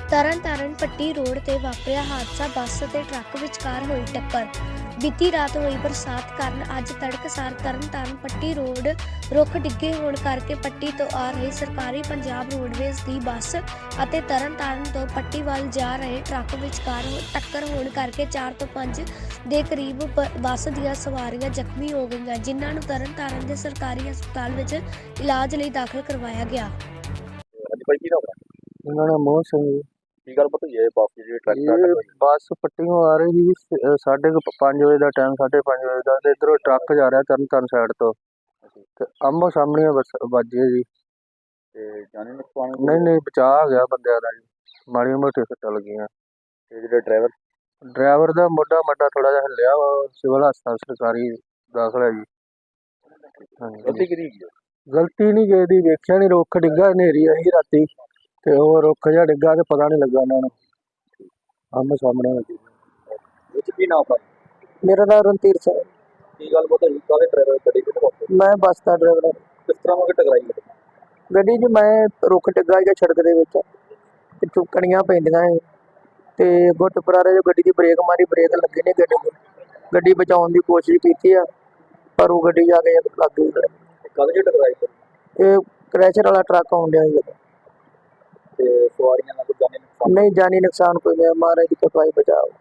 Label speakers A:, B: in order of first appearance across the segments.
A: ਤਰਨਤਾਰਨ ਪੱਟੀ road ਤੇ ਵਾਪਰਿਆ ਹਾਦਸਾ ਬੱਸ ਅਤੇ ਟਰੱਕ ਵਿਚਕਾਰ ਹੋਈ ਟੱਕਰ। ਬੀਤੀ ਰਾਤ ਹੋਈ ਬਰਸਾਤ ਕਾਰਨ ਅੱਜ ਤੜਕਸਾਰ ਤਰਨਤਾਰਨ ਪੱਟੀ ਰੋਡ ਰੁੱਖ ਡਿੱਗੇ ਹੋਣ ਕਰਕੇ ਪੱਟੀ ਤੋਂ ਆ ਰਹੀ ਸਰਕਾਰੀ ਪੰਜਾਬ ਰੋਡਵੇਜ਼ ਦੀ ਬੱਸ ਅਤੇ ਤਰਨਤਾਰਨ ਤੋਂ ਪੱਟੀ ਵੱਲ ਜਾ ਰਹੇ ਟਰੱਕ ਵਿਚਕਾਰ ਟੱਕਰ ਹੋਣ ਕਰਕੇ 4 ਤੋਂ 5 ਦੇ ਕਰੀਬ ਬੱਸ ਦੀਆਂ ਸਵਾਰੀਆਂ ਜ਼ਖਮੀ ਹੋ ਗਈਆਂ, ਜਿਨ੍ਹਾਂ ਨੂੰ ਤਰਨਤਾਰਨ ਦੇ ਸਰਕਾਰੀ ਹਸਪਤਾਲ ਵਿੱਚ ਇਲਾਜ ਲਈ ਦਾਖਲ ਕਰਵਾਇਆ ਗਿਆ।
B: ਹਾਂਜੀ ਭਾਈ ਕੀ ਨਾਮ ਹੈ?
C: ਇਹਨਾਂ ਦਾ ਮੋਹ ਸਿੰਘ ਜੀ।
B: ਕੀ ਗੱਲ ਪਤਾ ਹੈ ਬੱਸ ਜਿਹੜੀ ਟਰੱਕ ਦਾ
C: ਇਹ ਬੱਸ ਪੱਟੀਓਂ ਆ ਰਹੀ ਸੀ 5:30 ਵਜੇ ਦਾ ਟਾਈਮ, 5:30 ਵਜੇ ਦਾ, ਤੇ ਇੱਧਰੋਂ ਟਰੱਕ ਜਾ ਰਿਹਾ ਤਰਨਤਾਰਨ ਸਾਈਡ ਤੋਂ, ਤੇ ਆਮੋ ਸਾਹਮਣੇ ਬੱਸ ਵੱਜੀ ਜੀ।
B: ਤੇ ਜਾਨੀ ਨੁਕਸਾਨ
C: ਨਹੀਂ ਬਚਾਅ ਗਿਆ ਬੰਦਿਆਂ ਦਾ ਜੀ, ਮਾੜੀਆਂ ਮੋਟੀਆਂ ਸੱਟਾਂ ਲੱਗੀਆਂ।
B: ਤੇ ਜਿਹੜੇ
C: ਡਰਾਈਵਰ ਦਾ ਮੋਢਾ ਥੋੜਾ ਜਿਹਾ ਹਿੱਲਿਆ, ਸਿਵਲ ਹਸਪਤਾਲ ਸਰਕਾਰੀ ਦਾਖਲ ਹੈ ਜੀ।
B: ਗਲਤੀ ਕਿਹਦੀ ਹੈ?
C: ਗਲਤੀ ਨਹੀਂ ਗਈ ਦੀ, ਵੇਖਿਆ ਨਹੀਂ, ਰੁੱਖ ਡਿੱਗਾ, ਹਨੇਰੀ ਆਈ ਰਾਤੀ ਤੇ ਉਹ ਰੁੱਖ ਜਿਹਾ ਡਿੱਗਾ ਤੇ ਪਤਾ ਨਹੀਂ ਲੱਗਾ ਇਹਨਾਂ ਨੂੰ, ਆਮੋ ਸਾਹਮਣੇ ਵੱਜੀ।
B: ਵਿੱਚ ਕੀ ਨਾਮ ਹੈ?
C: ਮੇਰਾ ਨਾਮ ਰਣਧੀਰ ਸਿੰਘ।
B: ਕੀ ਗੱਲ ਪਤਾ ਹੈ ਕਾਹਦੇ ਡਰਾਈਵਰ ਗੱਡੀ ਕਿੱਥੇ ਪਹੁੰਚੇ?
C: ਮੈਂ ਬੱਸ ਦਾ ਡਰਾਈਵਰ ਹਾਂ।
B: ਕਿਸ ਤਰ੍ਹਾਂ ਉਹ ਟਕਰਾਈ ਹੈ?
C: ਗੱਡੀ 'ਚ ਮੈਂ ਰੁੱਖ ਡਿੱਗਾ ਜਾਂ ਸੜਕ ਦੇ ਵਿੱਚ, ਪਿੱਛੋਂ ਕਣੀਆਂ ਪੈਂਦੀਆਂ ਸੀ ਤੇ ਗੁੱਟ ਪਰਾਰੇ ਜੋ ਗੱਡੀ ਦੀ ਬ੍ਰੇਕ ਮਾਰੀ, ਬ੍ਰੇਕ ਲੱਗੀ ਨਹੀਂ ਗੱਡੀ ਦੀ। ਗੱਡੀ ਬਚਾਉਣ ਦੀ ਕੋਸ਼ਿਸ਼ ਕੀਤੀ ਆ, ਪਰ ਉਹ ਗੱਡੀ ਜਾ ਕੇ ਲੱਗ ਗਈ।
B: ਕਾਹਦੇ 'ਚ ਟਕਰਾਈ ਹੈ?
C: ਇਹ ਕ੍ਰੈਸ਼ਰ ਵਾਲਾ ਟਰੱਕ ਆਉਣ ਡਿਆ ਸੀ।
B: ਤੇ ਸਵਾਰੀਆਂ ਦਾ ਕੋਈ ਜਾਨੀ ਨੁਕਸਾਨ?
C: ਨਹੀਂ, ਜਾਨੀ ਨੁਕਸਾਨ ਕੋਈ ਨਹੀਂ, ਮਹਾਰਾਜ ਦੀ ਕਿਰਪਾ ਹੀ ਬਚਾਓ।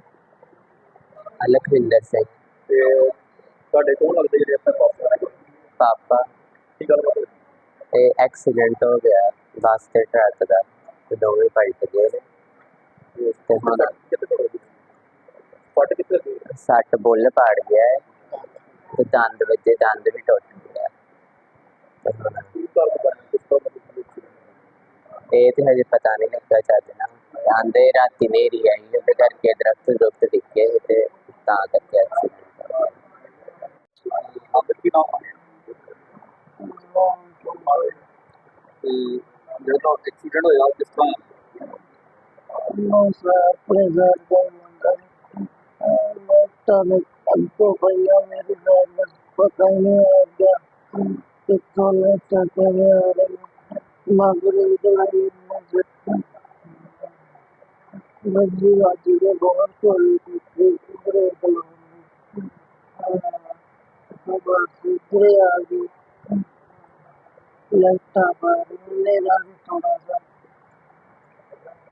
D: ਲਖਵਿੰਦਰ ਸਿੰਘ।
B: ਤੇ ਤੁਹਾਡੇ ਕੋਲ ਲੱਗਦੇ ਜਿਹੜੇ ਆਪਣੇ ਬੱਸ
D: ਪਾਪਾ।
B: ਕੀ ਗੱਲ ਪਤਾ?
D: ਇਹ ਐਕਸੀਡੈਂਟ ਹੋ ਗਿਆ ਬੱਸ ਤੇ ਟਰੱਕ ਦਾ, ਤੇ ਦੋਵੇਂ ਪਲਟ ਗਏ ਨੇ। ਤੇ ਹੁਣ
B: ਫਟ ਕਿੱਥੇ ਗਈ?
D: ਸੱਟ ਬੁੱਲ ਪਾੜ ਗਿਆ ਹੈ ਤੇ ਦੰਦ ਵੱਜੇ, ਦੰਦ ਵੀ ਟੁੱਟ ਗਿਆ। ਤੇ ਹੁਣ
B: ਕੀ ਕਾਰਨ ਬਣਿਆ? ਕਿਸ ਤਰ੍ਹਾਂ ਮਤਲਬ
D: ਇਹ ਤੇ ਹਜੇ ਪਤਾ ਨਹੀਂ ਲੱਗਾ ਚੱਜ ਨਾਲ। ਆਂਦੇ ਰਾਤੀ ਹਨੇਰੀ ਆਈ, ਉਹਦੇ ਕਰਕੇ ਦਰਖਤ ਡਿੱਗੇ ਤੇ ਤਾਂ ਕਰਕੇ ਐਕਸੀਡੈਂਟ ਹੋ ਗਿਆ।
B: ਆਪ ਕੀ ਨਾਮ ਹੈ? ਤੇ ਜਿਹੜਾ ਐਕਸੀਡੈਂਟ ਹੋਇਆ ਕਿਸ ਤਰ੍ਹਾਂ?
C: ਆਪਣੇ ਘਰ ਦਾ ਮੁੰਡਾ ਅੰਕੋ ਭਈਆ, ਮੇਰੀ ਗੱਲ ਪਤਾ ਹੀ ਨਹੀਂ ਆ ਗਿਆ ਕਿੱਥੋਂ ਲੈ ਚੱਕੇ ਆ ਰਹੇ ਮਗਰੇ ਦਵਾਈ ਮੱਜੀ ਵਾਜੀ ਦੇ ਬਹੁਤ ਕੋਲ ਕਿਧਰੇ ਬਸ ਆ ਗਈ। लगता पर मेरा भी थोड़ा